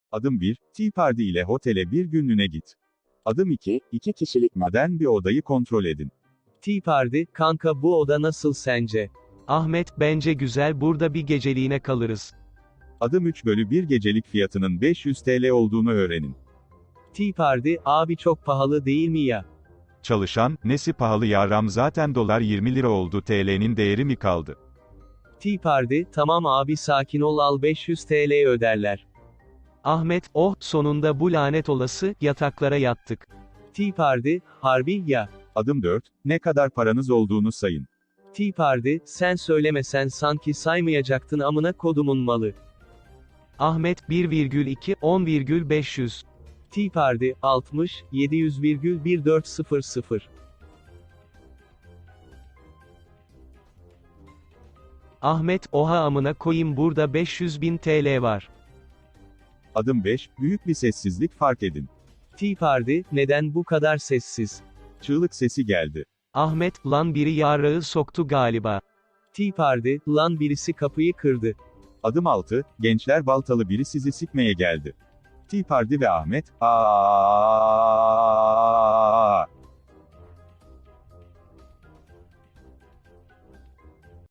Adım 1, Tea Party ile otele bir günlüğüne git. Adım 2, 2 kişilik modern bir odayı kontrol edin. Tea Party, kanka bu oda nasıl sence? Ahmet, bence güzel, burada bir geceliğine kalırız. Adım 3 bölü bir gecelik fiyatının 500 TL olduğunu öğrenin. Tea Party, abi çok pahalı değil mi ya? Çalışan, nesi pahalı yaram zaten dolar 20 lira oldu TL'nin değeri mi kaldı? Tea Party, tamam abi sakin ol al 500 TL öderler. Ahmet, oh, sonunda bu lanet olası, yataklara yattık. Tea Party, harbi ya. Adım 4, ne kadar paranız olduğunu sayın. Tea Party, sen söylemesen sanki saymayacaktın amına kodumun malı. Ahmet, 1,2, 10,500. Tea Party, 60, 700,1400. Ahmet, oha amına koyayım burada 500.000 TL var. Adım 5, büyük bir sessizlik fark edin. Tea Party, neden bu kadar sessiz? Çığlık sesi geldi. Ahmet, lan biri yarağı soktu galiba. Tea Party, lan birisi kapıyı kırdı. Adım 6, gençler baltalı biri sizi sikmeye geldi. Tea Party ve Ahmet, aa.